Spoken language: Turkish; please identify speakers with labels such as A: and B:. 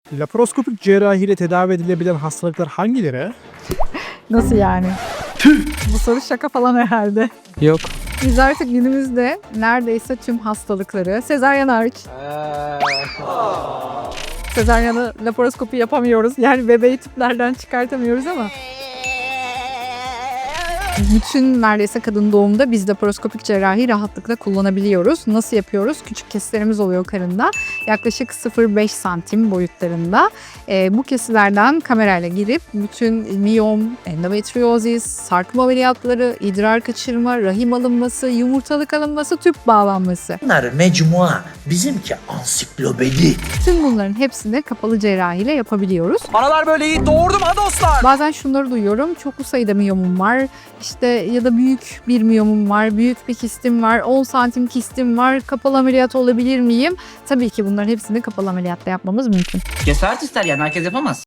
A: Laparoskopik cerrahiyle tedavi edilebilen hastalıklar hangileri?
B: Nasıl yani? Bu soru şaka falan herhalde.
A: Yok.
B: Biz artık günümüzde neredeyse tüm hastalıkları, sezaryen hariç, sezaryanı laparoskopi yapamıyoruz. Yani bebeği tüplerden çıkartamıyoruz ama bütün neredeyse kadın doğumda biz laparoskopik cerrahi rahatlıkla kullanabiliyoruz. Nasıl yapıyoruz? Küçük kesilerimiz oluyor karında. Yaklaşık 0,5 santim boyutlarında. Bu kesilerden kamerayla girip bütün miyom, endometriozis, sarkma ameliyatları, idrar kaçırma, rahim alınması, yumurtalık alınması, tüp bağlanması.
C: Bunlar mecmua, bizimki ansiklopedi.
B: Tüm bunların hepsini kapalı cerrahiyle yapabiliyoruz.
D: Analar böyle iyi doğurdum ha dostlar.
B: Bazen şunları duyuyorum. Çoklu sayıda miyomum var. İşte ya da büyük bir miyomum var. Büyük bir kistim var. 10 santim kistim var. Kapalı ameliyat olabilir miyim? Tabii ki bunların hepsini kapalı ameliyatta yapmamız mümkün.
E: Cesaret ister yani herkes yapamaz.